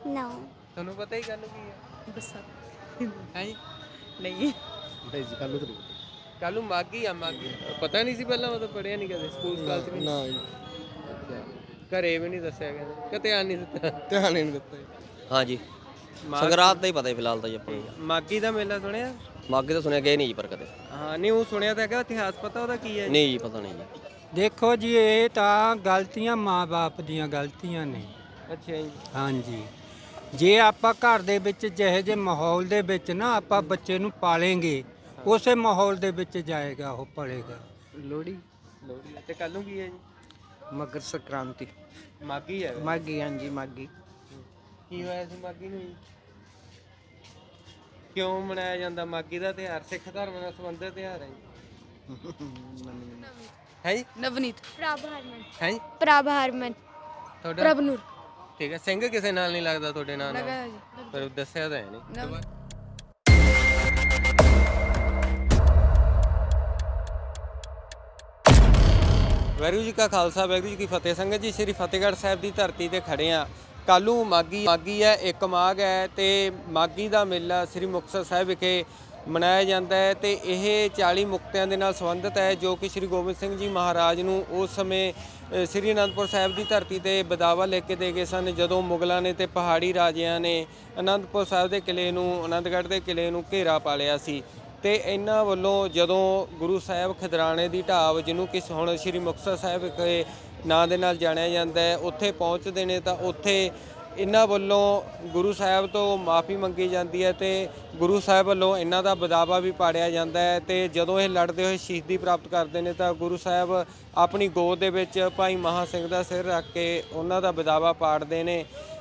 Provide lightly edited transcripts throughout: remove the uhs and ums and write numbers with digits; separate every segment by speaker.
Speaker 1: ਨੋ
Speaker 2: ਤੁਹਾਨੂੰ ਪਤਾ ਹੀ ਕੱਲ ਕੀ ਹੈ?
Speaker 3: ਵਿਸਾਖੀ
Speaker 2: ਹੈ ਜੀ
Speaker 3: ਨਹੀਂ
Speaker 4: ਨਹੀਂ ਜੀ ਕੱਲ ਨੂੰ ਤਾਂ ਨਹੀਂ ਪਤਾ।
Speaker 2: ਕੱਲ ਨੂੰ ਮਾਘੀ ਆ ਮਾਘੀ ਪਤਾ ਨਹੀਂ ਸੀ ਪਹਿਲਾਂ ਮਤਲਬ ਪੜਿਆ ਨਹੀਂ ਕਦੇ ਸਕੂਲ ਸਕਾਲ ਚ ਵੀ
Speaker 4: ਨਾ ਜੀ
Speaker 2: ਅੱਛਾ ਘਰੇ ਵੀ ਨਹੀਂ ਦੱਸਿਆ ਕਹਿੰਦੇ ਕਿ ਧਿਆਨ ਨਹੀਂ ਦਿੱਤਾ
Speaker 4: ਧਿਆਨ ਹੀ ਨਹੀਂ ਦਿੱਤਾ ਜੀ।
Speaker 5: ਹਾਂਜੀ
Speaker 2: ਮਾਘ-
Speaker 5: ਸੰਗਰਾਂਦ ਦਾ ਹੀ ਪਤਾ ਹੀ ਫਿਲਹਾਲ ਤਾਂ ਜੀ ਆਪਾਂ ਨੂੰ।
Speaker 2: ਮਾਘੀ ਦਾ ਮੇਲਾ ਸੁਣਿਆ?
Speaker 5: ਮਾਘੀ ਤਾਂ ਸੁਣਿਆ ਗਏ ਨਹੀਂ ਜੀ ਪਰ ਕਦੇ।
Speaker 2: ਹਾਂ ਨਹੀਂ ਉਹ ਸੁਣਿਆ ਤਾਂ ਹੈਗਾ ਇਤਿਹਾਸ ਪਤਾ ਉਹਦਾ ਕੀ ਹੈ?
Speaker 5: ਨਹੀਂ ਜੀ ਪਤਾ ਨਹੀਂ ਜੀ।
Speaker 6: ਦੇਖੋ ਜੀ ਇਹ ਤਾਂ ਗਲਤੀਆਂ ਮਾਂ-ਬਾਪ ਦੀਆਂ ਗਲਤੀਆਂ ਨੇ।
Speaker 2: ਅੱਛਾ ਜੀ
Speaker 6: ਹਾਂਜੀ ਜੇ ਆਪਾਂ ਘਰ ਦੇ ਵਿੱਚ ਜਿਹੇ ਜਿਹੇ ਮਾਹੌਲ ਦੇ ਵਿੱਚ ਨਾ ਆਪਾਂ ਬੱਚੇ ਨੂੰ ਪਾਲेंगे ਉਸੇ ਮਾਹੌਲ ਦੇ ਵਿੱਚ ਜਾਏਗਾ ਉਹ ਪੜੇਗਾ।
Speaker 2: ਲੋਹੜੀ ਤੇ ਕੱਲ ਨੂੰ ਕੀ ਹੈ ਜੀ?
Speaker 7: ਮਕਰ ਸੰਕ੍ਰਾਂਤੀ
Speaker 2: ਮਾਘੀ ਹੈ
Speaker 7: ਮਾਘੀ ਹਾਂਜੀ ਮਾਘੀ
Speaker 2: ਕੀ ਹੋਇਆ ਸੀ ਮਾਘੀ ਨੂੰ ਜੀ? ਕਿਉਂ ਮਨਾਇਆ ਜਾਂਦਾ ਮਾਘੀ ਦਾ ਤਿਉਹਾਰ? ਸਿੱਖ ਧਰਮ ਨਾਲ ਸੰਬੰਧਿਤ ਤਿਉਹਾਰ ਹੈ ਜੀ। ਹੈ ਜੀ
Speaker 3: ਨਵਨੀਤ
Speaker 1: ਪ੍ਰਭ ਹਰਮਨ
Speaker 2: ਹੈ ਜੀ
Speaker 1: ਪ੍ਰਭ ਹਰਮਨ
Speaker 2: ਤੁਹਾਡਾ
Speaker 3: ਪ੍ਰਭਨੂਰ
Speaker 2: ਠੀਕ ਹੈ ਸਿੰਘ ਕਿਸੇ ਨਾਲ ਨਹੀਂ ਲੱਗਦਾ ਤੁਹਾਡੇ ਨਾਲ
Speaker 3: ਲਗਾ ਜੀ
Speaker 2: ਪਰ ਦੱਸਿਆ ਤਾਂ ਹੈ ਨਹੀਂ
Speaker 3: ਨਵ
Speaker 2: ਵਾਹਿਗੁਰੂ ਜੀ ਕਾ ਖਾਲਸਾ ਵਾਹਿਗੁਰੂ ਜੀ ਕੀ ਫਤਿਹ। ਸੰਗਤ ਜੀ ਸ੍ਰੀ ਫਤਿਹਗੜ੍ਹ ਸਾਹਿਬ ਦੀ ਧਰਤੀ ਤੇ ਖੜੇ ਆ। ਕੱਲ੍ਹ ਮਾਘੀ ਹੈ, ਇੱਕ ਮਾਘ ਹੈ ਤੇ ਮਾਘੀ ਦਾ ਮੇਲਾ ਸ੍ਰੀ ਮੁਕਤਸਰ ਸਾਹਿਬ ਵਿਖੇ ਮਨਾਇਆ ਜਾਂਦਾ ਹੈ ਤੇ ਇਹ 40 ਮੁਕਤਿਆਂ ਦੇ ਨਾਲ ਸੰਬੰਧਿਤ ਹੈ ਜੋ ਕਿ ਸ੍ਰੀ ਗੋਬਿੰਦ ਸਿੰਘ ਜੀ ਮਹਾਰਾਜ ਨੂੰ ਉਸ ਸਮੇਂ ਸ੍ਰੀ ਅਨੰਦਪੁਰ ਸਾਹਿਬ ਦੀ ਧਰਤੀ ਤੇ ਬਦਾਵਾ ਲੈ ਕੇ ਦੇ ਗਏ ਸਨ ਜਦੋਂ ਮੁਗਲਾਂ ਨੇ ਤੇ ਪਹਾੜੀ ਰਾਜਿਆਂ ਨੇ ਅਨੰਦਪੁਰ ਸਾਹਿਬ ਦੇ ਕਿਲ੍ਹੇ ਨੂੰ ਆਨੰਦਗੜ੍ਹ ਦੇ ਕਿਲ੍ਹੇ ਨੂੰ ਘੇਰਾ ਪਾ ਲਿਆ ਸੀ। ਤੇ ਇਹਨਾਂ ਵੱਲੋਂ ਜਦੋਂ ਗੁਰੂ ਸਾਹਿਬ ਖਿਦਰਾਣੇ ਦੀ ਢਾਬ ਜਿਹਨੂੰ ਕਿ ਹੁਣ ਸ੍ਰੀ ਮੁਕਤਸਰ ਸਾਹਿਬ ਵਿਖੇ ਨਾਂ ਦੇ ਨਾਲ ਜਾਣਿਆ ਜਾਂਦਾ ਹੈ ਉੱਥੇ ਪਹੁੰਚਦੇ ਨੇ ਤਾਂ ਉੱਥੇ ਇਹਨਾਂ ਵੱਲੋਂ ਗੁਰੂ ਸਾਹਿਬ ਤੋਂ ਮਾਫੀ ਮੰਗੀ ਜਾਂਦੀ ਹੈ ਤੇ ਗੁਰੂ ਸਾਹਿਬ ਵੱਲੋਂ ਇਹਨਾਂ ਦਾ ਬਦਾਵਾ ਵੀ ਪਾੜਿਆ ਜਾਂਦਾ ਹੈ ਤੇ ਜਦੋਂ ਇਹ ਲੜਦੇ ਹੋਏ ਸ਼ਹੀਦੀ ਪ੍ਰਾਪਤ ਕਰਦੇ ਨੇ ਤਾਂ ਗੁਰੂ ਸਾਹਿਬ ਆਪਣੀ ਗੋਦ ਦੇ ਵਿੱਚ ਭਾਈ ਮਹਾਂ ਸਿੰਘ ਦਾ ਸਿਰ ਰੱਖ ਕੇ ਉਹਨਾਂ ਦਾ ਬਦਾਵਾ ਪਾੜਦੇ ਨੇ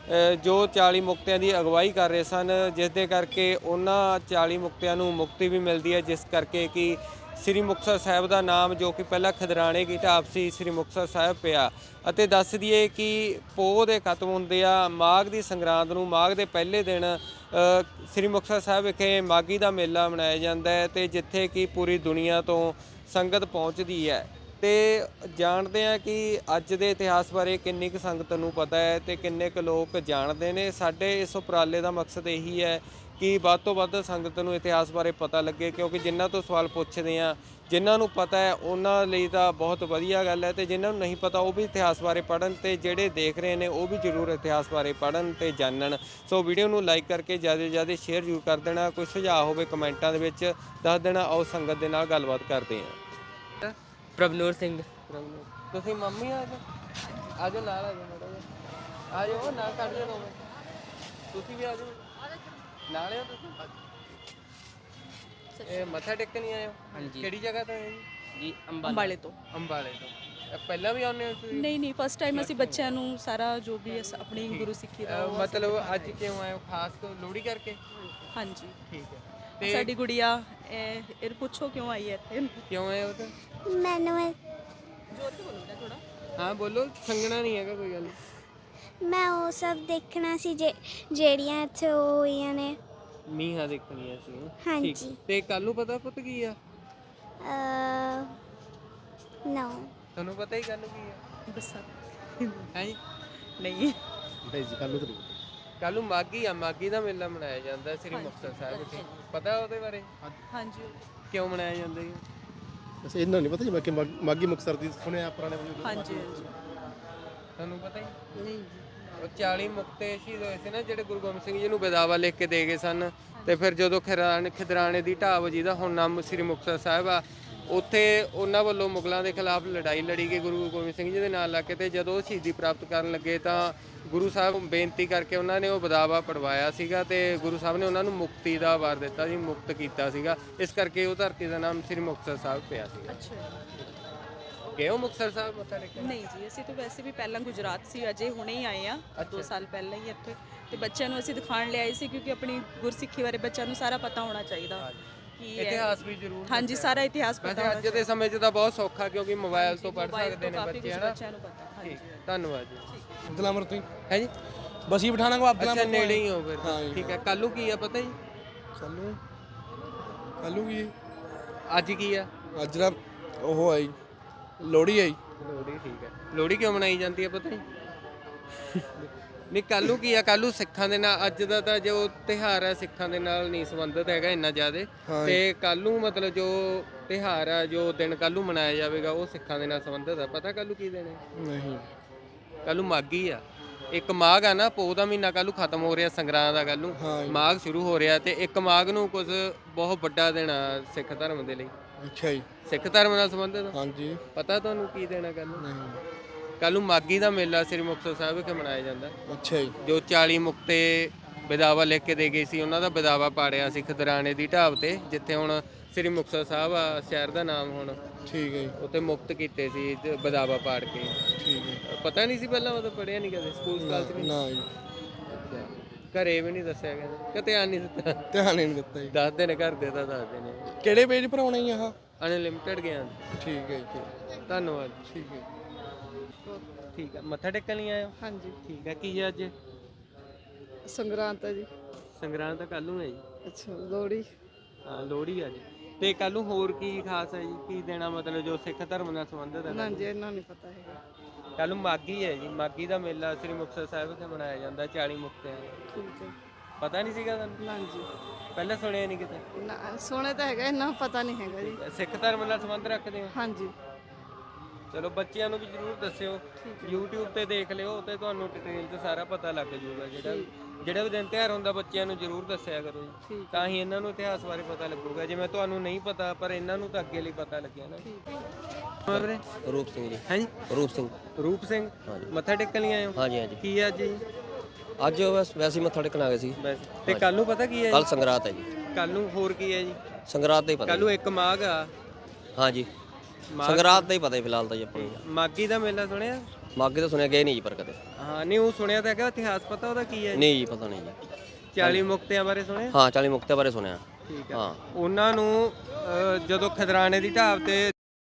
Speaker 2: ਜੋ 40 ਮੁਕਤਿਆਂ ਦੀ ਅਗਵਾਈ ਕਰ ਰਹੇ ਸਨ ਜਿਸ ਦੇ ਕਰਕੇ ਉਹਨਾਂ 40 ਮੁਕਤਿਆਂ ਨੂੰ ਮੁਕਤੀ ਵੀ ਮਿਲਦੀ ਹੈ ਜਿਸ ਕਰਕੇ ਕਿ ਸ੍ਰੀ ਮੁਕਤਸਰ ਸਾਹਿਬ ਦਾ ਨਾਮ ਜੋ ਕਿ ਪਹਿਲਾਂ ਖਿਦਰਾਣੇ ਦੀ ਢਾਬ ਸੀ ਸ੍ਰੀ ਮੁਕਤਸਰ ਸਾਹਿਬ ਪਿਆ। ਅਤੇ ਦੱਸ ਦਈਏ ਕਿ ਪੋਹ ਦੇ ਖਤਮ ਹੁੰਦੇ ਆ ਮਾਘ ਦੀ ਸੰਗਰਾਂਦ ਨੂੰ ਮਾਘ ਦੇ ਪਹਿਲੇ ਦਿਨ ਸ੍ਰੀ ਮੁਕਤਸਰ ਸਾਹਿਬ ਵਿਖੇ ਮਾਘੀ ਦਾ ਮੇਲਾ ਮਨਾਇਆ ਜਾਂਦਾ ਹੈ ਤੇ ਜਿੱਥੇ ਕਿ ਪੂਰੀ ਦੁਨੀਆ ਤੋਂ ਸੰਗਤ ਪਹੁੰਚਦੀ ਹੈ। ਤੇ ਜਾਣਦੇ ਆ ਕਿ ਅੱਜ ਦੇ ਇਤਿਹਾਸ ਬਾਰੇ ਕਿੰਨੀ ਕੁ ਸੰਗਤ ਨੂੰ ਪਤਾ ਹੈ ਤੇ ਕਿੰਨੇ ਕੁ ਲੋਕ ਜਾਣਦੇ ਨੇ। ਸਾਡੇ ਇਸ ਉਪਰਾਲੇ ਦਾ ਮਕਸਦ ਇਹੀ ਹੈ ਕਿ ਵੱਧ ਤੋਂ ਵੱਧ ਸੰਗਤ ਨੂੰ ਇਤਿਹਾਸ ਬਾਰੇ ਪਤਾ ਲੱਗੇ ਕਿਉਂਕਿ ਜਿਨ੍ਹਾਂ ਤੋਂ ਸਵਾਲ ਪੁੱਛਦੇ ਆ ਜਿਨ੍ਹਾਂ ਨੂੰ ਪਤਾ ਹੈ ਉਹਨਾਂ ਲਈ ਤਾਂ ਬਹੁਤ ਵਧੀਆ ਗੱਲ ਹੈ ਤੇ ਜਿਨ੍ਹਾਂ ਨੂੰ ਨਹੀਂ ਪਤਾ ਉਹ ਵੀ ਇਤਿਹਾਸ ਬਾਰੇ ਪੜ੍ਹਨ ਤੇ ਜਿਹੜੇ ਦੇਖ ਰਹੇ ਨੇ ਉਹ ਵੀ ਜ਼ਰੂਰ ਇਤਿਹਾਸ ਬਾਰੇ ਪੜ੍ਹਨ ਤੇ ਜਾਣਨ। ਸੋ ਵੀਡੀਓ ਨੂੰ ਲਾਈਕ ਕਰਕੇ ਜ਼ਿਆਦਾ ਤੋਂ ਜ਼ਿਆਦਾ ਸ਼ੇਅਰ ਜ਼ਰੂਰ ਕਰ ਦੇਣਾ। ਕੋਈ ਸੁਝਾਅ ਹੋਵੇ ਕਮੈਂਟਾਂ ਦੇ ਵਿੱਚ ਦੱਸ ਦੇਣਾ। ਆਓ ਸੰਗਤ ਦੇ ਨਾਲ ਗੱਲਬਾਤ ਕਰਦੇ ਹਾਂ।
Speaker 7: ਪ੍ਰਭਨੂਰ ਸਿੰਘ
Speaker 2: ਤੁਸੀਂ ਮੰਮੀ ਆ ਜਾਓ ਨਾਲ ਆ ਜਾਓ ਮਾੜਾ ਜਿਹਾ ਆ ਜਾਓ ਨਾਲ ਕੱਢ ਲਿਓ ਦੋਵੇਂ ਤੁਸੀਂ ਵੀ ਆ ਜਾਓ ਨਾਲ ਹੋ ਤੁਸੀਂ ਇਹ ਮੱਥਾ ਟੇਕਣ ਨਹੀਂ ਆਏ ਹੋ?
Speaker 7: ਹਾਂਜੀ।
Speaker 2: ਕਿਹੜੀ ਜਗ੍ਹਾ ਤੋਂ ਹੈ
Speaker 7: ਜੀ
Speaker 3: ਅੰਬਾਲੇ ਤੋਂ
Speaker 2: ਅੰਬਾਲੇ ਤੋਂ ਪਹਿਲਾਂ ਵੀ ਆਉਂਦੇ ਹੋ ਤੁਸੀਂ?
Speaker 3: ਨਹੀਂ ਫਸਟ ਟਾਈਮ ਅਸੀਂ ਬੱਚਿਆਂ ਨੂੰ ਸਾਰਾ ਜੋ ਵੀ ਆਪਣੀ ਗੁਰੂ ਸਿੱਖੀ ਦਾ ਉਹ
Speaker 2: ਮਤਲਬ ਅੱਜ ਕਿਉਂ ਆਏ ਹੋ ਖਾਸ ਤੋਂ ਲੋਹੜੀ ਕਰਕੇ?
Speaker 3: ਹਾਂਜੀ
Speaker 2: ਠੀਕ ਹੈ ਤੇ
Speaker 3: ਸਾਡੀ ਗੁੜੀਆ ਇਹ ਪੁੱਛੋ ਕਿਉਂ ਆਈ ਹੈ ਇੱਥੇ
Speaker 2: ਕਿਉਂ ਆਏ ਹੋ ਤਾਂ?
Speaker 1: ਮੈਨੂੰ
Speaker 3: ਜੋਰ ਤੇ ਬੋਲੋ ਥੋੜਾ
Speaker 2: ਹਾਂ ਬੋਲੋ ਸੰਗਣਾ ਨਹੀਂ ਹੈਗਾ ਕੋਈ ਗੱਲ।
Speaker 1: ਮੈਂ ਉਹ ਸਭ ਦੇਖਣਾ ਸੀ ਜਿਹੜੀਆਂ ਇੱਥੇ ਉਹ ਹੋਈਆਂ ਨੇ।
Speaker 2: ਮੀਂਹਾਂ ਦੇਖਣੀਆਂ ਸੀ।
Speaker 1: ਹਾਂਜੀ।
Speaker 2: ਠੀਕ। ਤੇ ਕੱਲ ਨੂੰ ਪਤਾ ਪੁੱਤ ਕੀ ਆ?
Speaker 1: ਨੋ
Speaker 2: ਤੁਹਾਨੂੰ ਪਤਾ ਹੀ ਕੱਲ ਨੂੰ ਕੀ ਆ?
Speaker 3: ਵਿਸਾਖੀ
Speaker 2: ਹੈ ਜੀ
Speaker 3: ਨਹੀਂ
Speaker 4: ਨਹੀਂ ਜੀ ਕੱਲ ਨੂੰ ਤਾਂ ਨਹੀਂ ਪਤਾ।
Speaker 2: ਕੱਲ ਨੂੰ ਮਾਘੀ ਆ ਮਾਘੀ ਦਾ ਮੇਲਾ ਮਨਾਇਆ ਜਾਂਦਾ ਸ੍ਰੀ ਮੁਕਤਸਰ ਸਾਹਿਬ ਵਿਖੇ ਪਤਾ ਉਹਦੇ ਬਾਰੇ
Speaker 3: ਹਾਂਜੀ
Speaker 2: ਕਿਉਂ ਮਨਾਇਆ ਜਾਂਦਾ ਜੀ?
Speaker 4: ਵੈਸੇ ਇਹਨਾਂ ਨਹੀਂ ਪਤਾ ਜੀ ਮੈਂ ਕਿ ਮਾਘੀ ਮੁਕਤਸਰ ਦੀ ਸੁਣਿਆ ਪੁਰਾਣੇ
Speaker 3: ਹਾਂਜੀ
Speaker 2: ਤੁਹਾਨੂੰ ਪਤਾ ਹੀ ਨਹੀਂ? ਉਹ 40 ਮੁਕਤੇ ਸ਼ਹੀਦ ਹੋਏ ਸੀ ਨਾ ਜਿਹੜੇ ਗੁਰੂ ਗੋਬਿੰਦ ਸਿੰਘ ਜੀ ਨੂੰ ਬਦਾਵਾ ਲਿਖ ਕੇ ਦੇ ਗਏ ਸਨ ਤੇ ਫਿਰ ਜਦੋਂ ਖਿਦਰਾਣੇ ਦੀ ਢਾਬ ਜਿਹਦਾ ਹੁਣ ਨਾਮ ਸ੍ਰੀ ਮੁਕਤਸਰ ਸਾਹਿਬ ਆ ਉੱਥੇ ਉਹਨਾਂ ਵੱਲੋਂ ਮੁਗਲਾਂ ਦੇ ਖਿਲਾਫ ਲੜਾਈ ਲੜੀ ਗਈ ਗੁਰੂ ਗੋਬਿੰਦ ਸਿੰਘ ਜੀ ਦੇ ਨਾਲ ਲੱਗ ਕੇ ਤੇ ਜਦੋਂ ਉਹ ਸ਼ਹੀਦੀ ਪ੍ਰਾਪਤ ਕਰਨ ਲੱਗੇ ਤਾਂ ਗੁਰੂ ਸਾਹਿਬ ਬੇਨਤੀ ਕਰਕੇ ਉਹਨਾਂ ਨੇ ਉਹ ਬਦਾਵਾ ਪੜਵਾਇਆ ਸੀਗਾ ਤੇ ਗੁਰੂ ਸਾਹਿਬ ਨੇ ਉਹਨਾਂ ਨੂੰ ਮੁਕਤੀ ਦਾ ਵਰ ਦਿੱਤਾ ਸੀ ਮੁਕਤ ਕੀਤਾ ਸੀਗਾ ਇਸ ਕਰਕੇ ਉਹ ਧਰਤੀ ਦਾ ਨਾਮ ਸ੍ਰੀ ਮੁਕਤਸਰ ਸਾਹਿਬ ਪਿਆ ਸੀਗਾ।
Speaker 3: ਅੱਛਾ
Speaker 2: ਗਏ ਹੋ ਮੁਕਤਸਰ ਸਾਹਿਬ ਮੱਥਾ ਟੇਕਣ?
Speaker 3: ਨਹੀਂ ਜੀ ਅਸੀਂ ਤਾਂ ਵੈਸੇ ਵੀ ਪਹਿਲਾਂ ਗੁਜਰਾਤ ਸੀ ਅਜੇ ਹੁਣੇ ਹੀ ਆਏ ਆ 2 ਸਾਲ ਪਹਿਲਾਂ ਹੀ ਇੱਥੇ ਤੇ ਬੱਚਿਆਂ ਨੂੰ ਅਸੀਂ ਦਿਖਾਉਣ ਲਿਆਏ ਸੀ ਕਿਉਂਕਿ ਆਪਣੀ ਗੁਰਸਿੱਖੀ ਬਾਰੇ ਬੱਚਿਆਂ ਨੂੰ ਸਾਰਾ ਪਤਾ ਹੋਣਾ ਚਾਹੀਦਾ ਕਿ
Speaker 2: ਇਤਿਹਾਸ ਵੀ ਜ਼ਰੂਰ
Speaker 3: ਹਾਂਜੀ ਸਾਰਾ ਇਤਿਹਾਸ ਪਤਾ
Speaker 2: ਵੈਸੇ
Speaker 3: ਹੋਣਾ
Speaker 2: ਅੱਜ ਦੇ ਸਮੇਂ 'ਚ ਤਾਂ ਬਹੁਤ ਸੌਖਾ ਕਿਉਂਕਿ ਮੋਬਾਈਲ ਤੋਂ ਪੜ੍ਹ
Speaker 3: ਮੋਬਾਈਲ
Speaker 2: ਸਕਦੇ ਨੇ
Speaker 3: ਕਾਫੀ
Speaker 2: ਬੱਚੇ
Speaker 3: ਕੁਝ
Speaker 2: ਹਨਾ।
Speaker 3: ਬੱਚਿਆਂ ਨੂੰ ਪਤਾ ਹਾਂਜੀ
Speaker 2: ਠੀਕ ਧੰਨਵਾਦ ਜੀ।
Speaker 4: ਅਬਦੁੱਲਾਮਰ ਤੋਂ
Speaker 2: ਹੈ ਜੀ
Speaker 4: ਬਸੀ ਬਿਠਾਣਾ ਕੋ
Speaker 2: ਅੱਛਾ ਨੇੜੇ ਹੀ ਹੋ ਫਿਰ
Speaker 4: ਹਾਂ ਜੀ।
Speaker 2: ਠੀਕ ਹੈ ਕੱਲ੍ਹ ਨੂੰ ਕੀ ਆ ਪਤਾ ਜੀ?
Speaker 4: ਕੱਲ ਨੂੰ ਕੀ
Speaker 2: ਅੱਜ ਕੀ ਆ?
Speaker 4: ਅੱਜ ਦਾ ਉਹ ਆਈ ਲੋਹੜੀ ਆਈ
Speaker 2: ਲੋਹੜੀ ਠੀਕ ਹੈ। ਲੋਹੜੀ ਕਿਉਂ ਮਨਾਈ ਜਾਂਦੀ ਹੈ ਪਤਾ ਜੀ? ਨਹੀਂ ਕੱਲ੍ਹ ਨੂੰ ਕੀ ਆ, ਕੱਲ੍ਹ ਨੂੰ ਸਿੱਖਾਂ ਦੇ ਨਾਲ ਅੱਜ ਦਾ ਤਾਂ ਜੋ ਤਿਉਹਾਰ ਹੈ ਸਿੱਖਾਂ ਦੇ ਨਾਲ ਨਹੀਂ ਸੰਬੰਧਿਤ ਹੈਗਾ ਇੰਨਾ ਜ਼ਿਆਦਾ, ਤੇ ਕੱਲ੍ਹ ਨੂੰ ਮਤਲਬ ਜੋ ਤਿਉਹਾਰ ਆ ਜੋ ਦਿਨ ਕੱਲ੍ਹ ਨੂੰ ਮਨਾਇਆ ਜਾਵੇਗਾ ਉਹ ਸਿੱਖਾਂ ਦੇ ਨਾਲ ਸੰਬੰਧਿਤ ਆ। ਪਤਾ ਕੱਲ੍ਹ ਨੂੰ ਕੀ ਦਿਨ ਹੈ?
Speaker 4: ਨਹੀਂ।
Speaker 2: ਕੱਲ੍ਹ ਨੂੰ ਮਾਘੀ ਆ, ਇੱਕ ਮਾਘ ਆ ਨਾ, ਪੋਹ ਦਾ ਮਹੀਨਾ ਕੱਲ੍ਹ ਨੂੰ ਖਤਮ ਹੋ ਰਿਹਾ, ਸੰਗਰਾਂਦ ਦਾ ਕੱਲ੍ਹ ਨੂੰ, ਮਾਘ ਸ਼ੁਰੂ ਹੋ ਰਿਹਾ, ਤੇ ਇੱਕ ਮਾਘ ਨੂੰ ਕੁਝ ਬਹੁਤ ਵੱਡਾ ਦਿਨ ਆ ਸਿੱਖ ਧਰਮ ਦੇ ਲਈ।
Speaker 4: ਅੱਛਾ ਜੀ।
Speaker 2: ਸਿੱਖ ਧਰਮ ਨਾਲ ਸੰਬੰਧਿਤ
Speaker 4: ਹਾਂਜੀ।
Speaker 2: ਪਤਾ ਤੁਹਾਨੂੰ ਕੀ ਦੇਣਾ ਕੱਲ੍ਹ ਨੂੰ?
Speaker 4: ਨਹੀਂ।
Speaker 2: ਕੱਲ੍ਹ ਨੂੰ ਮਾਘੀ ਦਾ ਮੇਲਾ ਸ੍ਰੀ ਮੁਕਤਸਰ ਸਾਹਿਬ ਵਿਖੇ ਮਨਾਇਆ ਜਾਂਦਾ।
Speaker 4: ਅੱਛਾ ਜੀ।
Speaker 2: ਜੋ 40 ਮੁਕਤੇ ਵਿਦਾਵਾ ਲਿਖ ਕੇ ਦੇ ਗਏ ਸੀ ਉਹਨਾਂ ਦਾ ਵਿਦਾਵਾ ਪਾੜਿਆ ਸੀ ਖਦਰਾਣੇ ਦੀ ਢਾਬ ਤੇ, ਜਿੱਥੇ ਹੁਣ ਸ੍ਰੀ ਮੁਕਤਸਰ ਸਾਹਿਬ ਆ ਸ਼ਹਿਰ ਦਾ ਨਾਮ ਹੁਣ।
Speaker 4: ਠੀਕ ਹੈ ਜੀ।
Speaker 2: ਉੱਥੇ ਮੁਕਤ ਕੀਤੇ ਸੀ ਵਿਦਾਵਾ ਪਾੜ ਕੇ।
Speaker 4: ਠੀਕ ਹੈ।
Speaker 2: ਪਤਾ ਨਹੀਂ ਸੀ ਪਹਿਲਾਂ, ਮਤਲਬ ਪੜ੍ਹਿਆ ਨਹੀਂ ਕਦੇ ਸਕੂਲ ਸਕਾਲ 'ਚ ਵੀ?
Speaker 4: ਨਾ ਜੀ।
Speaker 2: ਅੱਛਾ, ਘਰੇ ਵੀ ਨਹੀਂ ਦੱਸਿਆ ਕਹਿੰਦੇ ਕਿ ਧਿਆਨ ਨਹੀਂ ਦਿੱਤਾ?
Speaker 4: ਧਿਆਨ ਹੀ ਨਹੀਂ ਦਿੱਤਾ ਜੀ।
Speaker 2: ਦੱਸਦੇ ਨੇ, ਘਰ ਦੇ ਤਾਂ ਦੱਸਦੇ ਨੇ।
Speaker 4: ਕਿਹੜੇ ਪੇਜ ਭਰਾਉਣਾ ਜੀ ਆਹ?
Speaker 2: ਅਨਲਿਮਟਿਡ ਗਿਆਨ।
Speaker 4: ਠੀਕ ਹੈ ਜੀ।
Speaker 2: ਧੰਨਵਾਦ।
Speaker 4: ਠੀਕ ਹੈ।
Speaker 2: ਠੀਕ ਹੈ, ਮੱਥਾ ਟੇਕਣ ਲਈ ਆਏ ਹੋ?
Speaker 8: ਹਾਂਜੀ।
Speaker 2: ਠੀਕ ਹੈ, ਕੀ ਹੈ ਅੱਜ?
Speaker 8: ਸੰਗਰਾਂਦ ਹੈ ਜੀ।
Speaker 2: ਸੰਗਰਾਂਦ ਤਾਂ ਕੱਲ੍ਹ ਨੂੰ ਹੈ ਜੀ।
Speaker 8: ਅੱਛਾ, ਲੋਹੜੀ।
Speaker 2: ਹਾਂ, ਲੋਹੜੀ ਆ ਜੀ। ਤੇ ਕੱਲ੍ਹ ਨੂੰ ਹੋਰ ਕੀ ਖਾਸ ਹੈ ਜੀ? ਕੀ ਦੇਣਾ ਮਤਲਬ ਜੋ ਸਿੱਖ ਧਰਮ ਨਾਲ ਸੰਬੰਧਿਤ ਹੈ?
Speaker 8: ਨਾ ਜੀ, ਇਹਨਾਂ ਨਹੀਂ ਪਤਾ ਹੈਗਾ।
Speaker 2: ਕੱਲ੍ਹ ਨੂੰ ਮਾਘੀ ਹੈ ਜੀ, ਮਾਘੀ ਦਾ ਮੇਲਾ ਸ੍ਰੀ ਮੁਕਤਸਰ ਸਾਹਿਬ ਵਿਖੇ ਮਨਾਇਆ ਜਾਂਦਾ 40 ਮੁਕਤਿਆਂ ਦਾ।
Speaker 8: ਠੀਕ ਹੈ।
Speaker 2: ਪਤਾ ਨਹੀਂ ਸੀਗਾ ਤੁਹਾਨੂੰ?
Speaker 8: ਨਾ ਜੀ,
Speaker 2: ਪਹਿਲਾਂ ਸੁਣਿਆ ਨਹੀਂ ਕਿਤੇ?
Speaker 8: ਨਾ ਸੁਣੇ ਤਾਂ ਹੈਗਾ, ਇਹਨਾਂ ਪਤਾ ਨਹੀਂ ਹੈਗਾ ਜੀ।
Speaker 2: ਸਿੱਖ ਧਰਮ ਨਾਲ ਸੰਬੰਧ ਰੱਖਦੇ ਹੋ?
Speaker 8: ਹਾਂਜੀ।
Speaker 2: ਚਲੋ ਬੱਚਿਆਂ ਨੂੰ ਵੀ ਜ਼ਰੂਰ ਦੱਸਿਓ, YouTube ਤੇ ਦੇਖ ਲਿਓ ਤੇ ਤੁਹਾਨੂੰ ਡਿਟੇਲ 'ਚ ਸਾਰਾ ਪਤਾ ਲੱਗ ਜਾਊਗਾ। ਜਿਹੜਾ ਵੀ ਦਿਨ ਤਿਉਹਾਰ ਹੁੰਦਾ ਬੱਚਿਆਂ ਨੂੰ ਜ਼ਰੂਰ ਦੱਸਿਆ ਕਰੋ ਜੀ, ਤਾਂ ਹੀ ਇਹਨਾਂ ਨੂੰ ਇਤਿਹਾਸ ਬਾਰੇ ਪਤਾ ਲੱਗੂਗਾ। ਜਿਵੇਂ ਤੁਹਾਨੂੰ ਨਹੀਂ ਪਤਾ ਪਰ ਇਹਨਾਂ ਨੂੰ ਤਾਂ ਅੱਗੇ ਲਈ ਪਤਾ ਲੱਗਿਆ ਨਾ। ਵੀਰੇ
Speaker 5: ਰੂਪ ਸਿੰਘ ਜੀ।
Speaker 2: ਹਾਂਜੀ,
Speaker 5: ਰੂਪ ਸਿੰਘ।
Speaker 2: ਰੂਪ ਸਿੰਘ। ਮੱਥਾ ਟੇਕਣ ਲਈ ਆਏ ਹੋ?
Speaker 5: ਹਾਂਜੀ ਹਾਂਜੀ।
Speaker 2: ਕੀ ਹੈ ਅੱਜ ਜੀ?
Speaker 5: ਅੱਜ ਬਸ ਵੈਸੇ ਹੀ ਮੱਥਾ ਟੇਕਣ ਆ ਗਏ ਸੀ।
Speaker 2: ਤੇ ਕੱਲ ਨੂੰ ਪਤਾ ਕੀ ਹੈ?
Speaker 5: ਕੱਲ ਸੰਗਰਾਤ ਹੈ ਜੀ।
Speaker 2: ਕੱਲ ਨੂੰ ਹੋਰ ਕੀ ਹੈ ਜੀ?
Speaker 5: ਸੰਗਰਾਤ ਦਾ ਹੀ ਪਤਾ।
Speaker 2: ਕੱਲ ਨੂੰ ਇੱਕ ਮਾਘ ਆ।
Speaker 5: ਹਾਂਜੀ, ਸੰਗਰਾਤ ਦਾ ਹੀ ਪਤਾ ਫਿਲਹਾਲ ਤਾਂ ਜੀ ਆਪਾਂ ਨੂੰ।
Speaker 2: ਮਾਘੀ ਦਾ ਮੇਲਾ ਸੁਣਿਆ?
Speaker 5: ਮਾਘੀ ਤਾਂ ਸੁਣਿਆ, ਗਏ ਨਹੀਂ ਜੀ ਪਰ ਕਦੇ।
Speaker 2: ਹਾਂ, ਨਹੀਂ ਉਹ ਸੁਣਿਆ ਤਾਂ ਹੈਗਾ, ਇਤਿਹਾਸ ਪਤਾ ਉਹਦਾ ਕੀ ਹੈ?
Speaker 5: ਨਹੀਂ ਜੀ, ਪਤਾ ਨਹੀਂ ਜੀ।
Speaker 2: 40 ਮੁਕਤਿਆਂ ਬਾਰੇ ਸੁਣਿਆ?
Speaker 5: ਹਾਂ, 40 ਮੁਕਤਿਆਂ ਬਾਰੇ ਸੁਣਿਆ।
Speaker 2: ਠੀਕ ਹੈ।
Speaker 5: ਹਾਂ,
Speaker 2: ਉਹਨਾਂ ਨੂੰ ਜਦੋਂ ਖਦਰਾਣੇ ਦੀ ਢਾਬ ਤੇ,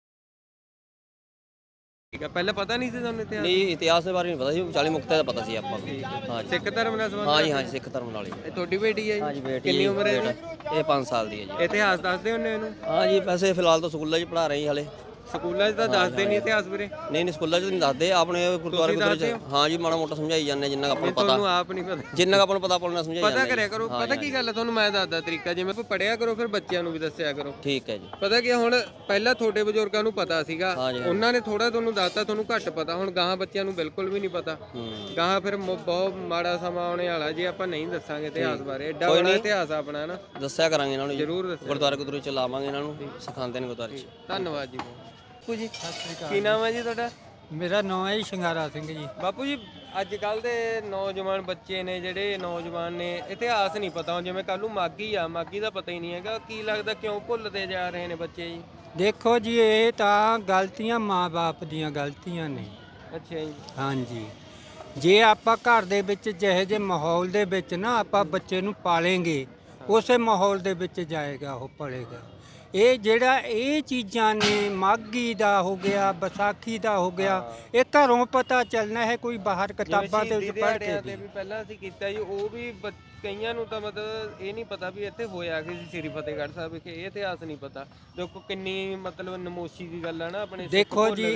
Speaker 2: ਠੀਕ ਹੈ, ਪਹਿਲਾਂ ਪਤਾ ਨਹੀਂ ਸੀ ਤੁਹਾਨੂੰ ਇਤਿਹਾਸ?
Speaker 5: ਨਹੀਂ ਇਤਿਹਾਸ ਦੇ ਬਾਰੇ ਨਹੀਂ ਪਤਾ ਸੀ, 40 ਮੁਕਤਿਆਂ ਦਾ ਪਤਾ ਸੀ ਆਪਾਂ ਨੂੰ। ਹਾਂ ਜੀ।
Speaker 2: ਸਿੱਖ ਧਰਮ ਨਾਲ ਸੰਬੰਧ?
Speaker 5: ਹਾਂਜੀ ਹਾਂਜੀ, ਸਿੱਖ ਧਰਮ ਨਾਲ ਹੀ।
Speaker 2: ਇਹ ਤੁਹਾਡੀ ਬੇਟੀ ਹੈ ਜੀ?
Speaker 5: ਹਾਂਜੀ ਬੇਟੀ।
Speaker 2: ਕਿੰਨੀ ਉਮਰ ਹੈ ਇਹਦੀ?
Speaker 5: ਇਹ 5 ਸਾਲ ਦੀ ਹੈ ਜੀ।
Speaker 2: ਇਤਿਹਾਸ ਦੱਸਦੇ ਹੁੰਦੇ ਇਹਨੂੰ?
Speaker 5: ਹਾਂ ਜੀ, ਵੈਸੇ ਫਿਲਹਾਲ ਤਾਂ ਸਕੂਲਾਂ 'ਚ ਪੜ੍ਹਾ ਰਹੀ ਹਾਲੇ।
Speaker 2: ਸਕੂਲਾਂ 'ਚ ਤਾਂ ਦੱਸਦੇ ਨਹੀਂ ਇਤਿਹਾਸ ਵੀਰੇ।
Speaker 5: ਨਹੀਂ ਨਹੀਂ, ਸਕੂਲਾਂ 'ਚ ਨਹੀਂ ਦੱਸਦੇ, ਆਪਣੇ ਗੁਰਦੁਆਰੇ ਗੁਰਦੁਆਰੇ 'ਚ। ਹਾਂ ਜੀ, ਮਾੜਾ ਮੋਟਾ ਸਮਝਾਈ ਜਾਂਦੇ ਜਿੰਨਾ ਕੁ ਆਪਾਂ ਨੂੰ ਪਤਾ।
Speaker 2: ਤੁਹਾਨੂੰ ਆਪ ਨਹੀਂ ਪਤਾ?
Speaker 5: ਜਿੰਨਾ ਕੁ ਆਪਾਂ ਨੂੰ ਪਤਾ ਆਪਾਂ ਨੂੰ ਸਮਝਾਈ ਜਾਂਦੇ।
Speaker 2: ਪਤਾ ਕਰਿਆ ਕਰੋ। ਪਤਾ ਕੀ ਗੱਲ ਹੈ, ਤੁਹਾਨੂੰ ਮੈਂ ਦੱਸਦਾ ਤਰੀਕਾ, ਜਿਵੇਂ ਪੜਿਆ ਕਰੋ ਫਿਰ ਬੱਚਿਆਂ ਨੂੰ ਵੀ ਦੱਸਿਆ ਕਰੋ।
Speaker 5: ਠੀਕ ਹੈ ਜੀ।
Speaker 2: ਪਤਾ ਕੀ ਹੁਣ, ਪਹਿਲਾਂ ਤੁਹਾਡੇ ਬਜ਼ੁਰਗਾਂ ਨੂੰ ਪਤਾ ਸੀਗਾ,
Speaker 5: ਹਾਂਜੀ।
Speaker 2: ਉਹਨਾਂ ਨੇ ਥੋੜਾ ਤੁਹਾਨੂੰ ਦੱਸਤਾ, ਤੁਹਾਨੂੰ ਘੱਟ ਪਤਾ। ਹੁਣ ਗਾਹਾਂ ਬੱਚਿਆਂ ਨੂੰ ਬਿਲਕੁਲ ਵੀ ਨਹੀਂ ਪਤਾ। ਗਾਹਾਂ ਫਿਰ ਬਹੁਤ ਮਾੜਾ ਸਮਾਂ ਆਉਣੇ ਵਾਲਾ ਜੇ ਆਪਾਂ ਨਹੀਂ ਦੱਸਾਂਗੇ ਇਤਿਹਾਸ ਬਾਰੇ। ਐਡਾ ਵੱਡਾ ਇਤਿਹਾਸ ਆਪਣਾ ਨਾ।
Speaker 5: ਦੱਸਿਆ ਕਰਾਂਗੇ ਇਹਨਾਂ ਨੂੰ ਜੀ,
Speaker 2: ਜ਼ਰੂਰ ਦੱਸਿਆ।
Speaker 5: ਗੁਰਦੁਆਰੇ ਗੁਰਦੁਆਰੇ ਚ ਲਾਵਾਂਗੇ ਇਹਨਾਂ ਨੂੰ, ਸਿਖਾਉਂਦੇ ਨੇ ਗੁਰਦੁਆਰੇ ਚ।
Speaker 2: ਧੰਨਵਾਦ ਜੀ। ਬਾਪੂ ਜੀ ਕੀ ਨਾਮ ਹੈ ਜੀ ਤੁਹਾਡਾ?
Speaker 6: ਮੇਰਾ ਨਾਮ ਹੈ ਜੀ ਸ਼ਿੰਗਾਰਾ ਸਿੰਘ ਜੀ।
Speaker 2: ਬਾਪੂ ਜੀ, ਅੱਜ ਕੱਲ ਦੇ ਨੌਜਵਾਨ ਬੱਚੇ ਨੇ ਜਿਹੜੇ ਨੌਜਵਾਨ ਨੇ, ਇਤਿਹਾਸ ਨਹੀਂ ਪਤਾ। ਹੁਣ ਜਿਵੇਂ ਕੱਲ ਨੂੰ ਮਾਘੀ ਆ, ਮਾਘੀ ਦਾ ਪਤਾ ਹੀ ਨਹੀਂ ਹੈਗਾ। ਕੀ ਲੱਗਦਾ ਕਿਉਂ ਭੁੱਲਦੇ ਜਾ ਰਹੇ ਨੇ ਬੱਚੇ ਜੀ?
Speaker 6: ਦੇਖੋ ਜੀ, ਇਹ ਤਾਂ ਗਲਤੀਆਂ ਮਾਂ-ਬਾਪ ਦੀਆਂ ਗਲਤੀਆਂ ਨੇ।
Speaker 2: ਅੱਛਾ ਜੀ।
Speaker 6: ਹਾਂਜੀ, ਜੇ ਆਪਾਂ ਘਰ ਦੇ ਵਿੱਚ ਜਿਹੇ ਜਿਹੇ ਮਾਹੌਲ ਦੇ ਵਿੱਚ ਨਾ ਆਪਾਂ ਬੱਚੇ ਨੂੰ ਪਾਲेंगे, ਉਸੇ ਮਾਹੌਲ ਦੇ ਵਿੱਚ ਜਾਏਗਾ, ਉਹ ਪੜੇਗਾ। ਇਹ ਜਿਹੜਾ ਇਹ ਚੀਜ਼ਾਂ ਨੇ, ਮਾਘੀ ਦਾ ਹੋ ਗਿਆ, ਵਿਸਾਖੀ ਦਾ ਹੋ ਗਿਆ, ਇਹ ਘਰੋਂ ਪਤਾ ਚੱਲਣਾ ਹੈ, ਕੋਈ ਬਾਹਰ ਕਿਤਾਬਾਂ ਦੇ ਵਿੱਚ ਪੜ੍ਹ ਕੇ
Speaker 2: ਵੀ ਪਹਿਲਾਂ ਅਸੀਂ ਕੀਤਾ ਜੀ, ਉਹ ਵੀ ਕਈਆਂ ਨੂੰ ਤਾਂ ਮਤਲਬ ਇਹ ਨਹੀਂ ਪਤਾ ਵੀ ਇੱਥੇ ਹੋਇਆ ਕਿ ਸ੍ਰੀ ਫਤਿਹਗੜ੍ਹ ਸਾਹਿਬ ਵਿਖੇ। ਇਹ ਇਤਿਹਾਸ ਨਹੀਂ ਪਤਾ। ਦੇਖੋ ਕਿੰਨੀ ਮਤਲਬ ਨਮੋਸ਼ੀ ਦੀ ਗੱਲ ਹੈ ਨਾ ਆਪਣੇ।
Speaker 6: ਦੇਖੋ ਜੀ,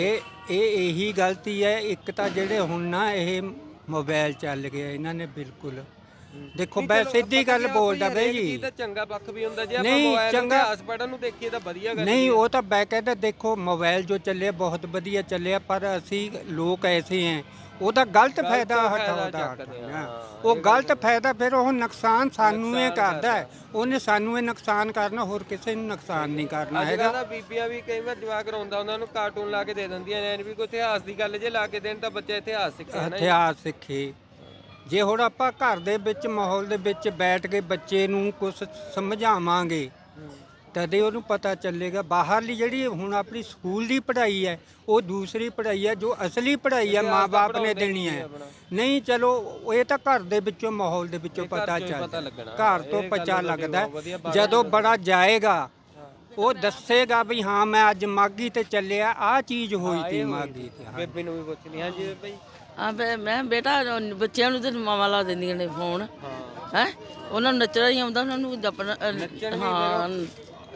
Speaker 6: ਇਹੀ ਗਲਤੀ ਹੈ। ਇੱਕ ਤਾਂ ਜਿਹੜੇ ਹੁਣ ਨਾ ਇਹ ਮੋਬਾਈਲ ਚੱਲ ਗਿਆ, ਇਹਨਾਂ ਨੇ ਬਿਲਕੁਲ ਦੇਖੋ ਮੈਂ ਸਿੱਧੀ ਗੱਲ ਬੋਲਦਾ ਬਈ ਜੀ।
Speaker 2: ਇਹ ਤਾਂ ਚੰਗਾ ਪੱਖ ਵੀ ਹੁੰਦਾ, ਜੇ ਆਪਾਂ ਮੋਬਾਈਲ ਤੇ ਇਤਿਹਾਸ ਪੜ੍ਹਨ ਨੂੰ ਦੇਖੀਏ ਤਾਂ ਵਧੀਆ ਗੱਲ
Speaker 6: ਨਹੀਂ। ਉਹ ਤਾਂ ਮੈਂ ਕਹਿੰਦਾ, ਦੇਖੋ ਮੋਬਾਈਲ ਜੋ ਚੱਲਿਆ ਬਹੁਤ ਵਧੀਆ ਚੱਲਿਆ, ਪਰ ਅਸੀਂ ਲੋਕ ਐਸੇ ਹੈ ਉਹਦਾ ਗਲਤ ਫਾਇਦਾ ਉਠਾਉਂਦਾ। ਉਹ ਗਲਤ ਫਾਇਦਾ ਫਿਰ ਉਹ ਨੁਕਸਾਨ ਸਾਨੂੰ ਇਹ ਕਰਦਾ ਹੈ। ਉਹਨੇ ਸਾਨੂੰ ਇਹ ਨੁਕਸਾਨ ਕਰਨਾ, ਹੋਰ ਕਿਸੇ ਨੂੰ ਨੁਕਸਾਨ ਨਹੀਂ ਕਰਨਾ ਹੈਗਾ।
Speaker 2: ਅੱਜ ਬੀਬੀਆਂ ਵੀ ਕਈ ਵਾਰ ਜਵਾਕ ਰੋਂਦਾ ਉਹਨਾਂ ਨੂੰ ਕਾਰਟੂਨ ਲਾ ਕੇ ਦੇ ਦਿੰਦੀਆਂ ਨੇ ਵੀ ਕੋਈ ਇਤਿਹਾਸ ਦੀ ਗੱਲ ਜੇ ਲਾ ਕੇ ਦੇਣ ਤਾਂ ਬੱਚਾ ਇਤਿਹਾਸ ਸਿੱਖੇ।
Speaker 6: ਇਤਿਹਾਸ ਸਿੱਖੇ। ਜੇ ਹੁਣ ਆਪਾਂ ਘਰ ਦੇ ਵਿੱਚ ਮਾਹੌਲ ਦੇ ਵਿੱਚ ਬੈਠ ਕੇ ਬੱਚੇ ਨੂੰ ਕੁਝ ਸਮਝਾਵਾਂਗੇ ਤਦੇ ਉਹਨੂੰ ਪਤਾ ਚੱਲੇਗਾ। ਬਾਹਰਲੀ ਜਿਹੜੀ ਹੁਣ ਆਪਣੀ ਸਕੂਲ ਦੀ ਪੜ੍ਹਾਈ ਹੈ, ਉਹ ਦੂਸਰੀ ਪੜ੍ਹਾਈ ਹੈ, ਜੋ ਅਸਲੀ ਪੜ੍ਹਾਈ ਹੈ ਮਾਂ-ਬਾਪ ਨੇ ਦੇਣੀ ਹੈ। ਨਹੀਂ, ਚਲੋ ਇਹ ਤਾਂ ਘਰ ਦੇ ਵਿੱਚੋਂ ਮਾਹੌਲ ਦੇ ਵਿੱਚੋਂ ਪਤਾ ਚੱਲਦਾ, ਘਰ ਤੋਂ ਪਤਾ ਲੱਗਦਾ। ਜਦੋਂ ਬੜਾ ਜਾਏਗਾ ਉਹ ਦੱਸੇਗਾ ਵੀ ਹਾਂ ਮੈਂ ਅੱਜ ਮਾਘੀ ਤੇ ਚੱਲਿਆ, ਆਹ ਚੀਜ਼ ਹੋਈ ਤੀ ਮਾਘੀ ਤੇ।
Speaker 2: ਬੇਬੇ ਨੂੰ ਵੀ ਪੁੱਛਣੀ। ਹਾਂਜੀ ਬੇਬੇ ਜੀ।
Speaker 9: ਮੈਂ ਬੇਟਾ ਬੱਚਿਆਂ ਨੂੰ ਤੇ ਮਾਵਾਂ ਲਾ ਦਿੰਦੀਆਂ ਨੇ ਫੋਨ। ਹੈ ਉਹਨਾਂ ਨੂੰ ਨੱਚਣਾ ਹੀ ਆਉਂਦਾ, ਉਹਨਾਂ ਨੂੰ
Speaker 2: ਨੱਚਣ ਵੀ
Speaker 9: ਹਾਂ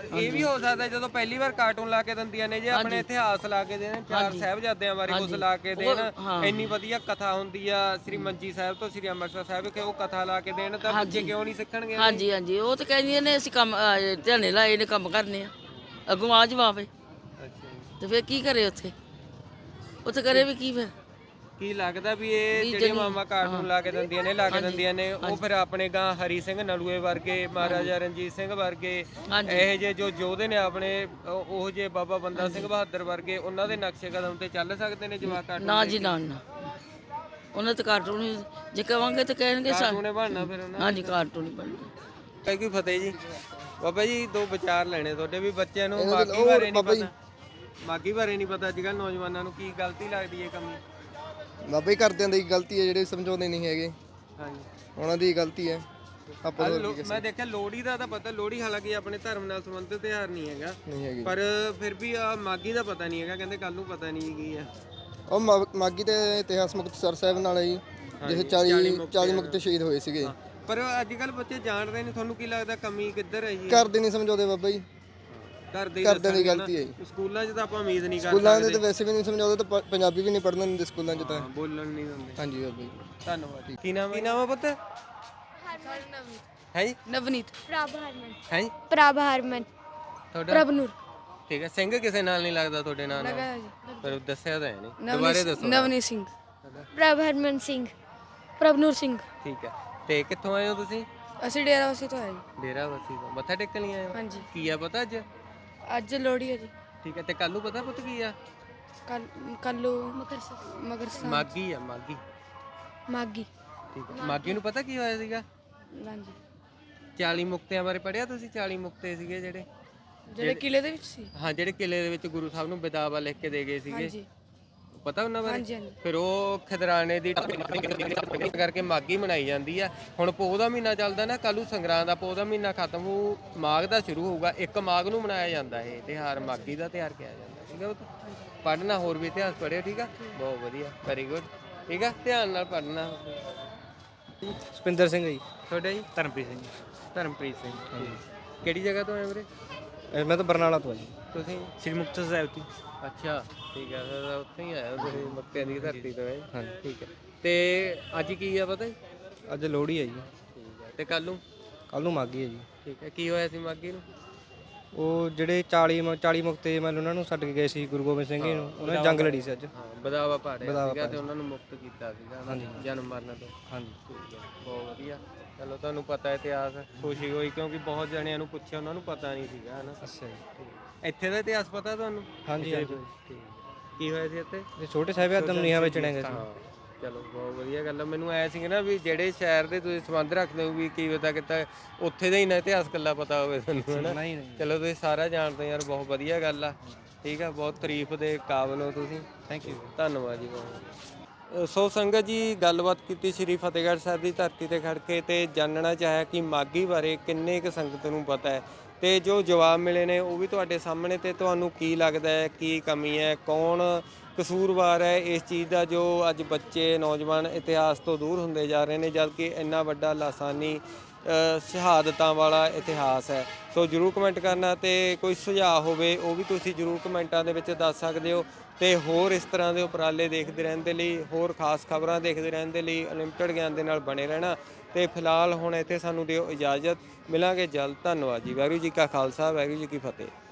Speaker 2: ਇਹ ਵੀ ਹੋ ਸਕਦਾ ਜਦੋਂ ਪਹਿਲੀ ਵਾਰ ਕਾਰਟੂਨ ਲਾ ਕੇ ਦਿੰਦੀਆਂ ਨੇ ਜੇ ਆਪਣੇ ਇਤਿਹਾਸ ਲਾ ਕੇ ਦੇਣ, ਚਾਰ ਸਾਹਿਬਜ਼ਾਦਿਆਂ ਬਾਰੇ ਕੁਝ ਲਾ ਕੇ ਦੇਣ, ਇੰਨੀ ਵਧੀਆ ਕਥਾ ਹੁੰਦੀ ਆ ਸ੍ਰੀ ਮੰਜੀ ਸਾਹਿਬ ਤੋਂ ਸ੍ਰੀ ਅੰਮ੍ਰਿਤਸਰ ਸਾਹਿਬ ਕਿ ਉਹ ਕਥਾ ਲਾ ਕੇ ਦੇਣ ਤਾਂ ਬੱਚੇ ਕਿਉਂ ਨਹੀਂ ਸਿੱਖਣਗੇ?
Speaker 9: ਹਾਂਜੀ ਹਾਂਜੀ, ਉਹ ਤਾਂ ਕਹਿੰਦੀਆਂ ਨੇ ਅਸੀਂ ਕੰਮ ਧਿਆਨੇ ਲਾਏ ਨੇ, ਕੰਮ ਕਰਨੇ ਆ, ਅੱਗੋਂ ਆ ਜਵਾਬ ਤੇ ਫਿਰ ਕੀ ਕਰੇ ਉੱਥੇ ਕਰੇ ਵੀ ਕੀ ਫਿਰ?
Speaker 2: ਕੀ ਲੱਗਦਾ ਵੀ ਇਹ ਜਿਹੜੇ ਮਾਮਾ ਕਾਰਟੂਨ ਲਾ ਕੇ ਦਿੰਦੀਆਂ ਨੇ ਉਹ ਫਿਰ ਆਪਣੇ ਗਾਂ ਹਰੀ ਸਿੰਘ ਨਲੂਏ ਵਰਗੇ, ਮਹਾਰਾਜਾ ਰਣਜੀਤ ਸਿੰਘ ਵਰਗੇ, ਇਹ ਜੇ ਜੋ ਯੋਧੇ ਨੇ ਆਪਣੇ, ਉਹ ਜੇ ਬਾਬਾ ਬੰਦਾ ਸਿੰਘ ਬਹਾਦਰ ਵਰਗੇ, ਉਹਨਾਂ ਦੇ ਨਕਸ਼ੇ ਕਦਮ ਤੇ ਚੱਲ ਸਕਦੇ ਨੇ ਜਵਾਕ ਕਾਰਟੂਨ?
Speaker 9: ਨਾ ਜੀ ਨਾ, ਉਹਨਾਂ ਤੇ ਕਾਰਟੂਨ ਜੇ ਕਵਾਂਗੇ ਤਾਂ ਕਹਿਣਗੇ
Speaker 2: ਕਾਰਟੂਨ ਹੀ ਬਣਨਾ ਫਿਰ ਉਹਨਾਂ।
Speaker 9: ਹਾਂਜੀ, ਕਾਰਟੂਨ ਹੀ ਬਣਨਾ।
Speaker 2: ਕੋਈ ਫਤਿਹ ਜੀ। ਬਾਬਾ ਜੀ ਦੋ ਵਿਚਾਰ ਲੈਣੇ ਤੁਹਾਡੇ ਵੀ ਬੱਚਿਆਂ ਨੂੰ ਮਾਗੀ ਬਾਰੇ ਨਹੀਂ ਪਤਾ, ਮਾਗੀ ਬਾਰੇ ਨਹੀਂ ਪਤਾ, ਅੱਜ ਕੱਲ੍ਹ ਨੌਜਵਾਨਾਂ ਨੂੰ ਕੀ ਗਲਤੀ ਲੱਗਦੀ ਹੈ ਕਮੀ?
Speaker 10: ਬਾਬਾ ਜੀ ਘਰਦਿਆਂ ਦੀ ਗਲਤੀ ਹੈ, ਜਿਹੜੇ ਸਮਝਾਉਂਦੇ ਨਹੀਂ ਹੈਗੇ,
Speaker 2: ਹਾਂਜੀ
Speaker 10: ਉਹਨਾਂ ਦੀ ਗਲਤੀ ਹੈ। ਆਪਾਂ
Speaker 2: ਮੈਂ ਦੇਖਿਆ ਲੋਹੜੀ ਦਾ ਤਾਂ ਪਤਾ, ਲੋਹੜੀ ਹਾਲਾਂਕਿ ਆਪਣੇ ਧਰਮ ਨਾਲ ਸੰਬੰਧਿਤ ਤਿਉਹਾਰ ਨਹੀਂ ਹੈਗਾ,
Speaker 10: ਨਹੀਂ ਹੈਗੀ।
Speaker 2: ਪਰ ਫਿਰ ਵੀ ਆ ਮਾਗੀ ਦਾ ਪਤਾ ਨਹੀਂ ਹੈਗਾ, ਕਹਿੰਦੇ ਕੱਲ ਨੂੰ ਪਤਾ ਨਹੀਂ ਕੀ ਆ।
Speaker 10: ਉਹ ਮਾਗੀ ਦੇ ਇਤਿਹਾਸ ਮੁਕਤਸਰ ਸਾਹਿਬ ਨਾਲ ਹੈ ਜੀ, ਜਿੱਥੇ 40 ਮੁਕਤੇ ਸ਼ਹੀਦ ਹੋਏ ਸੀਗੇ।
Speaker 2: ਪਰ ਅੱਜ ਕੱਲ ਬੱਚੇ ਜਾਣਦੇ ਨਹੀਂ, ਤੁਹਾਨੂੰ ਕੀ ਲੱਗਦਾ ਕਮੀ ਕਿੱਧਰ ਹੈ ਜੀ?
Speaker 10: ਘਰਦੇ ਨਹੀਂ ਸਮਝਾਉਂਦੇ ਬਾਬਾ ਜੀ, ਘਰਦਿਆਂ ਦੀ ਗਲਤੀ ਹੈ ਜੀ।
Speaker 2: ਸਕੂਲਾਂ 'ਚ ਤਾਂ ਆਪਾਂ ਉਮੀਦ ਨਹੀਂ ਕਰਦੇ,
Speaker 10: ਸਕੂਲਾਂ ਦੇ ਤਾਂ ਵੈਸੇ ਵੀ ਨਹੀਂ ਸਮਝਾਉਂਦੇ, ਤਾਂ ਪੰਜਾਬੀ ਵੀ ਨਹੀਂ ਪੜ੍ਹਨ ਦਿੰਦੇ ਸਕੂਲਾਂ 'ਚ ਤਾਂ।
Speaker 2: ਬੋਲਣ ਨਹੀਂ ਦਿੰਦੇ।
Speaker 10: ਹਾਂਜੀ ਬਾਬਾ ਜੀ,
Speaker 2: ਧੰਨਵਾਦ। ਕੀ ਨਾਮ ਹੈ ਪੁੱਤ? ਹੈ ਜੀ
Speaker 8: ਨਵਨੀਤ।
Speaker 1: ਪ੍ਰਭ ਹਰਮਨ।
Speaker 2: ਹੈ ਜੀ
Speaker 1: ਪ੍ਰਭ ਹਰਮਨ।
Speaker 2: ਤੁਹਾਡਾ?
Speaker 8: ਪ੍ਰਭਨੂਰ।
Speaker 2: ਠੀਕ ਹੈ। ਸਿੰਘ ਕਿਸੇ ਨਾਲ ਨਹੀਂ ਲੱਗਦਾ ਤੁਹਾਡੇ ਨਾਲ? ਪਰ ਦੱਸਿਆ ਤਾਂ ਹੈ ਨਹੀਂ, ਦੁਬਾਰੇ ਦੱਸੋ।
Speaker 8: ਨਵਨੀਤ ਸਿੰਘ।
Speaker 1: ਪ੍ਰਭ ਹਰਮਨ ਸਿੰਘ।
Speaker 8: ਪ੍ਰਭਨੂਰ ਸਿੰਘ।
Speaker 2: ਠੀਕ ਹੈ। ਤੇ ਕਿੱਥੋਂ ਆਏ ਹੋ ਤੁਸੀਂ?
Speaker 8: ਅਸੀਂ ਡੇਰਾਵਾਸੀ ਤੋਂ ਆਏ ਜੀ।
Speaker 2: ਡੇਰਾਵਾਸੀ ਤੋਂ ਮੱਥਾ ਟੇਕਣ ਲਈ ਆਏ ਹੋ?
Speaker 8: ਹਾਂਜੀ।
Speaker 2: ਕੀ ਆ ਪਤਾ ਅੱਜ?
Speaker 8: ਅੱਜ ਲੋਹੜੀ ਹੈ ਜੀ।
Speaker 2: ਠੀਕ ਹੈ। ਤੇ ਕੱਲ ਨੂੰ ਪਤਾ ਪੁੱਤ ਕੀ ਆ?
Speaker 8: ਕੱਲੂ ਮਗਰ
Speaker 2: ਮਾਗੀ ਆ, ਮਾਗੀ।
Speaker 8: ਮਾਗੀ।
Speaker 2: ਠੀਕ ਹੈ। ਮਾਗੀ ਨੂੰ ਪਤਾ ਕੀ ਹੋਇਆ ਸੀਗਾ?
Speaker 8: ਹਾਂਜੀ।
Speaker 2: 40 ਮੁਕਤਿਆਂ ਬਾਰੇ ਪੜਿਆ ਤੁਸੀਂ? 40 ਮੁਕਤੇ ਸੀਗੇ
Speaker 8: ਜਿਹੜੇ ਕਿਲੇ ਦੇ ਵਿੱਚ ਸੀ।
Speaker 2: ਹਾਂ, ਜਿਹੜੇ ਕਿਲੇ ਦੇ ਵਿੱਚ ਗੁਰੂ ਸਾਹਿਬ ਨੂੰ ਬਿਦਾਵਾ ਲਿਖ ਕੇ ਦੇ ਗਏ ਸੀਗੇ,
Speaker 8: ਹਾਂਜੀ।
Speaker 2: ਪਤਾ ਉਹਨਾਂ ਬਾਰੇ?
Speaker 8: ਹਾਂਜੀ ਹਾਂਜੀ।
Speaker 2: ਫਿਰ ਉਹ ਖਿਦਰਾਣੇ ਦੀ ਕਰਕੇ ਮਾਗੀ ਮਨਾਈ ਜਾਂਦੀ ਆ। ਹੁਣ ਪੋਹ ਦਾ ਮਹੀਨਾ ਚੱਲਦਾ ਨਾ, ਕੱਲ੍ਹ ਨੂੰ ਸੰਗਰਾਂਦ ਦਾ ਪੋਹ ਦਾ ਮਹੀਨਾ ਖਤਮ ਹੋ, ਮਾਘ ਦਾ ਸ਼ੁਰੂ ਹੋਊਗਾ। 1 ਮਾਘ ਨੂੰ ਮਨਾਇਆ ਜਾਂਦਾ ਇਹ ਤਿਉਹਾਰ, ਮਾਗੀ ਦਾ ਤਿਉਹਾਰ ਕਿਹਾ ਜਾਂਦਾ। ਠੀਕ ਆ, ਉਹ ਪੜ੍ਹਨਾ, ਹੋਰ ਵੀ ਇਤਿਹਾਸ ਪੜ੍ਹਿਓ। ਠੀਕ ਆ, ਬਹੁਤ ਵਧੀਆ, ਵੈਰੀ ਗੁੱਡ। ਠੀਕ ਆ, ਧਿਆਨ ਨਾਲ ਪੜ੍ਹਨਾ।
Speaker 7: ਸਪਿੰਦਰ ਸਿੰਘ ਜੀ।
Speaker 2: ਤੁਹਾਡਾ ਜੀ?
Speaker 7: ਧਰਮਪ੍ਰੀਤ ਸਿੰਘ।
Speaker 2: ਧਰਮਪ੍ਰੀਤ ਸਿੰਘ। ਕਿਹੜੀ ਜਗ੍ਹਾ ਤੋਂ ਆਏ ਵੀਰੇ?
Speaker 7: ਮੈਂ ਤਾਂ ਬਰਨਾਲਾ ਤੋਂ ਆ ਜੀ।
Speaker 2: ਤੁਸੀਂ?
Speaker 7: ਸ੍ਰੀ ਮੁਕਤਸਰ ਸਾਹਿਬ ਤੋਂ।
Speaker 2: ਅੱਛਾ, ਠੀਕ ਹੈ। ਫਿਰ ਉੱਥੇ ਹੀ ਆਇਆ ਤੁਸੀਂ, ਮੱਕਿਆਂ ਦੀ ਧਰਤੀ ਤੋਂ ਹੈ।
Speaker 7: ਹਾਂਜੀ।
Speaker 2: ਠੀਕ ਹੈ। ਤੇ ਅੱਜ ਕੀ ਆ ਪਤਾ?
Speaker 7: ਅੱਜ ਲੋਹੜੀ ਹੈ ਜੀ।
Speaker 2: ਠੀਕ ਹੈ। ਤੇ ਕੱਲ ਨੂੰ
Speaker 7: ਮਾਗੀ ਹੈ ਜੀ।
Speaker 2: ਠੀਕ ਹੈ। ਕੀ ਹੋਇਆ ਸੀ ਮਾਗੀ ਨੂੰ?
Speaker 7: ਉਹ ਜਿਹੜੇ 40 ਮੁਕਤੇ ਮਤਲਬ ਉਹਨਾਂ ਨੂੰ ਛੱਡ ਕੇ ਗਏ ਸੀ ਗੁਰੂ ਗੋਬਿੰਦ ਸਿੰਘ ਜੀ ਨੂੰ, ਉਹਨਾਂ ਨੇ ਜੰਗ ਲੜੀ ਸੀ ਅੱਜ।
Speaker 2: ਹਾਂ, ਬਦਾਵਾ ਪਾੜਿਆ ਸੀਗਾ ਤੇ ਉਹਨਾਂ ਨੂੰ ਮੁਕਤ ਕੀਤਾ ਸੀਗਾ ਜਨਮ ਮਰਨ ਤੋਂ।
Speaker 7: ਹਾਂਜੀ।
Speaker 2: ਠੀਕ ਹੈ, ਬਹੁਤ ਵਧੀਆ। ਚਲੋ, ਤੁਹਾਨੂੰ ਪਤਾ ਇਤਿਹਾਸ, ਖੁਸ਼ੀ ਹੋਈ ਕਿਉਂਕਿ ਬਹੁਤ ਜਣਿਆਂ ਨੂੰ ਪੁੱਛਿਆ, ਉਹਨਾਂ ਨੂੰ ਪਤਾ ਨਹੀਂ ਸੀਗਾ, ਹਨਾ?
Speaker 7: ਅੱਛਾ ਜੀ।
Speaker 2: ਇੱਥੇ ਦਾ ਇਤਿਹਾਸ ਪਤਾ ਤੁਹਾਨੂੰ?
Speaker 7: ਹਾਂਜੀ ਹਾਂਜੀ।
Speaker 2: ਕੀ ਹੋਇਆ ਸੀ ਇੱਥੇ?
Speaker 7: ਛੋਟੇ ਸਾਹਿਬਜ਼ਾਦਿਆਂ ਨੂੰ ਨੀਹਾਂ ਵੇਚਣੇ ਗਏ ਸੀ।
Speaker 2: ਹਾਂ, ਚਲੋ ਬਹੁਤ ਵਧੀਆ ਗੱਲ ਆ। ਮੈਨੂੰ ਐ ਸੀ ਨਾ ਵੀ ਜਿਹੜੇ ਸ਼ਹਿਰ ਦੇ ਤੁਸੀਂ ਸੰਬੰਧ ਰੱਖਦੇ ਹੋ ਵੀ ਕੀ ਪਤਾ ਕਿਤਾ ਉੱਥੇ ਦਾ ਹੀ ਨਾ ਇਤਿਹਾਸ ਕੱਲਾ ਪਤਾ ਹੋਵੇ ਤੁਹਾਨੂੰ, ਹਨਾ?
Speaker 7: ਨਹੀਂ ਨਹੀਂ।
Speaker 2: ਚਲੋ, ਤੁਸੀਂ ਸਾਰਾ ਜਾਣਦੇ ਯਾਰ, ਬਹੁਤ ਵਧੀਆ ਗੱਲ ਆ। ਠੀਕ ਆ, ਬਹੁਤ ਤਾਰੀਫ ਦੇ ਕਾਬਿਲ ਹੋ ਤੁਸੀਂ।
Speaker 7: Thank you.
Speaker 2: ਧੰਨਵਾਦ ਜੀ ਬਹੁਤ। ਸੋ ਸੰਗਤ ਜੀ, ਗੱਲਬਾਤ ਕੀਤੀ ਸ੍ਰੀ ਫਤਿਹਗੜ੍ਹ ਸਾਹਿਬ ਦੀ ਧਰਤੀ ਤੇ ਖੜ ਕੇ ਤੇ ਜਾਣਨਾ ਚਾਹਿਆ ਕਿ ਮਾਗੀ ਬਾਰੇ ਕਿੰਨੇ ਕੁ ਸੰਗਤ ਨੂੰ ਪਤਾ ਹੈ ਤੇ ਜੋ ਜਵਾਬ ਮਿਲੇ ਨੇ ਉਹ ਵੀ ਤੁਹਾਡੇ ਸਾਹਮਣੇ। ਤੇ ਤੁਹਾਨੂੰ ਕੀ ਲੱਗਦਾ ਹੈ, ਕੀ ਕਮੀ ਹੈ, ਕੌਣ ਕਸੂਰਵਾਰ ਹੈ ਇਸ ਚੀਜ਼ ਦਾ ਜੋ ਅੱਜ ਬੱਚੇ, ਨੌਜਵਾਨ ਇਤਿਹਾਸ ਤੋਂ ਦੂਰ ਹੁੰਦੇ ਜਾ ਰਹੇ ਨੇ, ਜਦਕਿ ਇੰਨਾ ਵੱਡਾ ਲਾਸਾਨੀ ਸ਼ਹਾਦਤਾਂ ਵਾਲਾ ਇਤਿਹਾਸ ਹੈ। ਸੋ ਜ਼ਰੂਰ ਕਮੈਂਟ ਕਰਨਾ ਤੇ ਕੋਈ ਸੁਝਾਅ ਹੋਵੇ ਉਹ ਵੀ ਤੁਸੀਂ ਜ਼ਰੂਰ ਕਮੈਂਟਾਂ ਦੇ ਵਿੱਚ ਦੱਸ ਸਕਦੇ ਹੋ। ਤੇ ਹੋਰ ਇਸ ਤਰ੍ਹਾਂ ਦੇ ਉਪਰਾਲੇ ਦੇਖਦੇ ਰਹਿਣ ਦੇ ਲਈ, ਹੋਰ ਖਾਸ ਖਬਰਾਂ ਦੇਖਦੇ ਰਹਿਣ ਦੇ ਲਈ ਅਨਲਿਮਟਿਡ ਗਿਆਨ ਦੇ ਨਾਲ ਬਣੇ ਰਹਿਣਾ। ਤੇ ਫਿਲਹਾਲ ਹੁਣ ਇੱਥੇ ਸਾਨੂੰ ਦਿਓ ਇਜਾਜ਼ਤ, ਮਿਲਾਂਗੇ ਜਲਦ। ਧੰਨਵਾਦ ਜੀ। ਵਾਹਿਗੁਰੂ ਜੀ ਕਾ ਖਾਲਸਾ, ਵਾਹਿਗੁਰੂ ਜੀ ਕੀ ਫਤਿਹ।